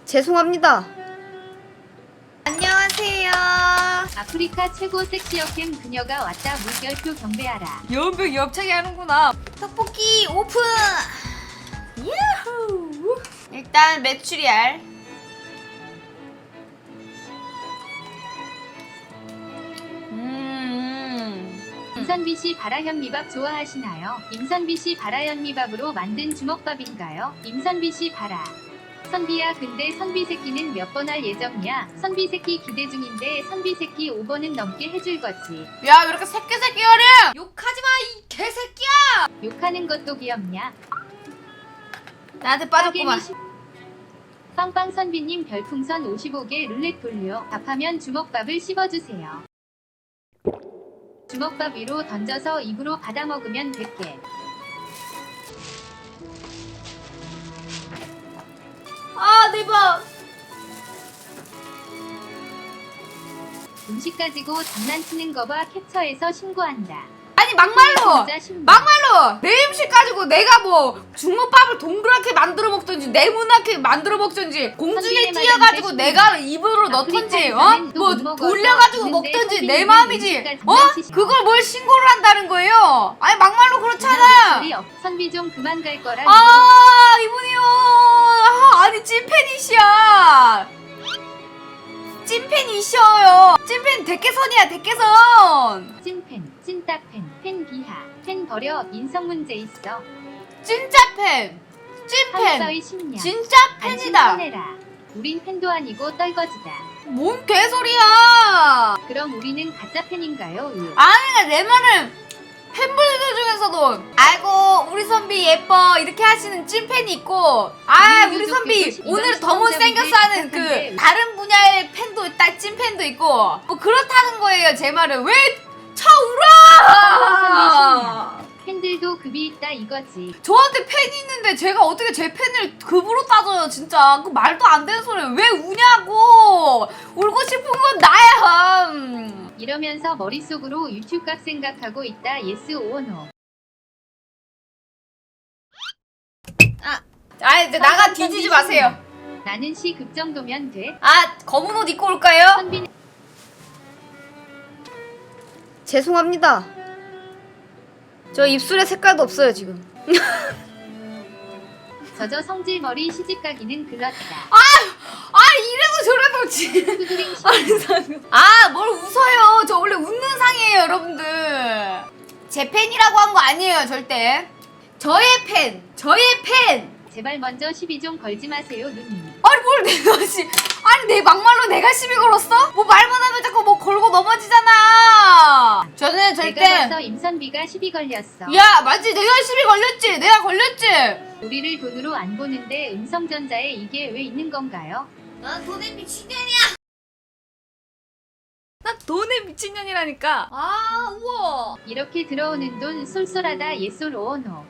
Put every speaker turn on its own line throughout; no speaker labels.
죄송합니다. 안녕하세요.
아프리카 최고 섹시여캠 그녀가 왔다. 물결표 경배하라.
연병 엽차게 하는구나. 떡볶이 오픈. 야호. 일단 메추리알.
임선비씨 바라현미밥 좋아하시나요? 임선비씨 바라현미밥으로 만든 주먹밥인가요? 임선비씨 바라. 선비야, 근데 선비 새끼는 몇 번 할 예정이야? 선비 새끼 기대 중인데 선비 새끼 5번은 넘게 해줄 거지.
야, 왜 이렇게 새끼새끼하래? 욕하지 마, 이 개새끼야.
욕하는 것도 귀엽냐?
나한테 빠졌구만.
빵빵 선비님 별풍선 55개 룰렛 돌려. 답하면 주먹밥을 씹어주세요. 주먹밥 위로 던져서 입으로 받아 먹으면 100개.
아, 대박.
음식 가지고 장난치는 거 봐. 캡처해서 신고한다.
아니, 막말로.
진짜 신고.
막말로 내 음식 가지고 내가 뭐 중국밥을 동그랗게 만들어 먹든지 네모나게 만들어 먹든지 공중에
선비의
띄어가지고
말은
내가 입으로 넣던지 뭐
못 먹어서
돌려가지고
먹는데
먹든지 내
선비님이
마음이지.
음식까지
어?
장난치셔.
그걸 뭘 신고를 한다는 거예요? 아니, 막말로 그렇잖아.
선비 좀 그만 갈 거라.
아, 이분이요. 아, 아니, 찐팬이시야. 찐팬이셔요. 찐팬 대개선이야, 대개선.
찐팬, 찐따팬, 팬 비하, 팬 버려. 인성 문제 있어.
진짜 팬. 찐팬.
한서의 심령.
진짜 팬이다.
안심해라. 우린 팬도 아니고 떨거지다.
뭔 개소리야.
그럼 우리는 가짜 팬인가요?
아니, 내 말은 팬분들 중에서도 아이고 우리 선비 예뻐 이렇게 하시는 찐팬이 있고, 아 우리 선비 오늘 더 못생겼어 하는 그 다른 분야의 팬도 있다, 찐팬도 있고 뭐 그렇다는 거예요. 제 말은 왜 쳐울어.
팬들도 급이 있다 이거지.
저한테 팬이 있는데 제가 어떻게 제 팬을 급으로 따져요. 진짜 그 말도 안 되는 소리. 왜 우냐고. 울고 싶은 건 나야.
이러면서 머릿속으로 유튜브 각 생각하고 있다. 예스 오노.
아 이제 나가 뒤지지 마세요.
나는 시 급 정도면 돼.
아, 검은 옷 입고 올까요?
선비는
죄송합니다. 저 입술에 색깔도 없어요 지금.
저저 성질머리 시집가기는 글렀다.
아 이래도 저래도
후드링
아, 뭘 웃어요. 저 원래 웃는 상이에요, 여러분들. 제 팬이라고 한 거 아니에요, 절대. 저의 팬.
제발 먼저 시비 좀 걸지 마세요, 누님.
아니 뭘 내가 아니 내 막말로 내가 시비 걸었어? 뭐 말만 하면 자꾸 뭐 걸고 넘어지잖아. 저는 절대.
내가 봐서 임선비가 시비 걸렸어.
야, 맞지? 내가 시비 걸렸지. 내가 걸렸지.
우리를 돈으로 안 보는데 음성전자에 이게 왜 있는 건가요?
난 돈에 미친년이야. 난 돈에 미친년이라니까. 아, 우와.
이렇게 들어오는 돈 쏠쏠하다. 예솔 오노.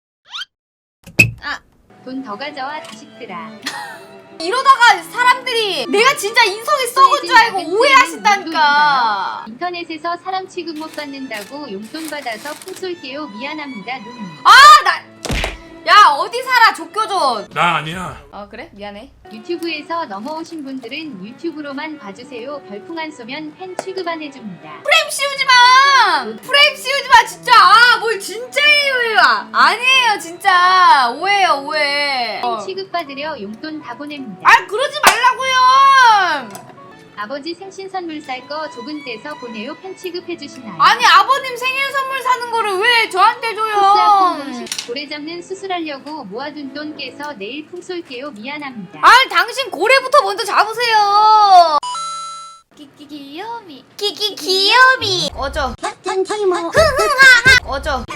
아.
돈 더 가져와 자식들아.
이러다가 사람들이 내가 진짜 인성이 썩은 줄 알고 오해하신다니까.
인터넷에서 사람 취급 못 받는다고 용돈 받아서 풍 쏠게요. 미안합니다, 누님.
야, 어디 살아, 족교존.
나 아니야.
아, 그래? 미안해.
유튜브에서 넘어오신 분들은 유튜브로만 봐주세요. 별풍 안 쏘면 팬 취급 안 해줍니다.
프레임 씌우지 마. 프레임 씌우지 마, 진짜. 아, 뭘 진짜예요. 아니에요, 진짜. 오해요, 오해.
팬 취급 받으려 용돈 다 보냅니다.
아, 그러지 말라고요.
아버지 생신 선물 살 거 조금 떼서 보내요. 팬 취급해주시나요?
아니, 아버님 생일 선물 사는 거를 왜 저한테 줘요?
고래 잡는 수술하려고 모아둔 돈 깨서 내일 풍 쏠게요. 미안합니다.
아니, 당신 고래부터 먼저 잡으세요. 끼끼 귀요미. 꺼져. 꺼져.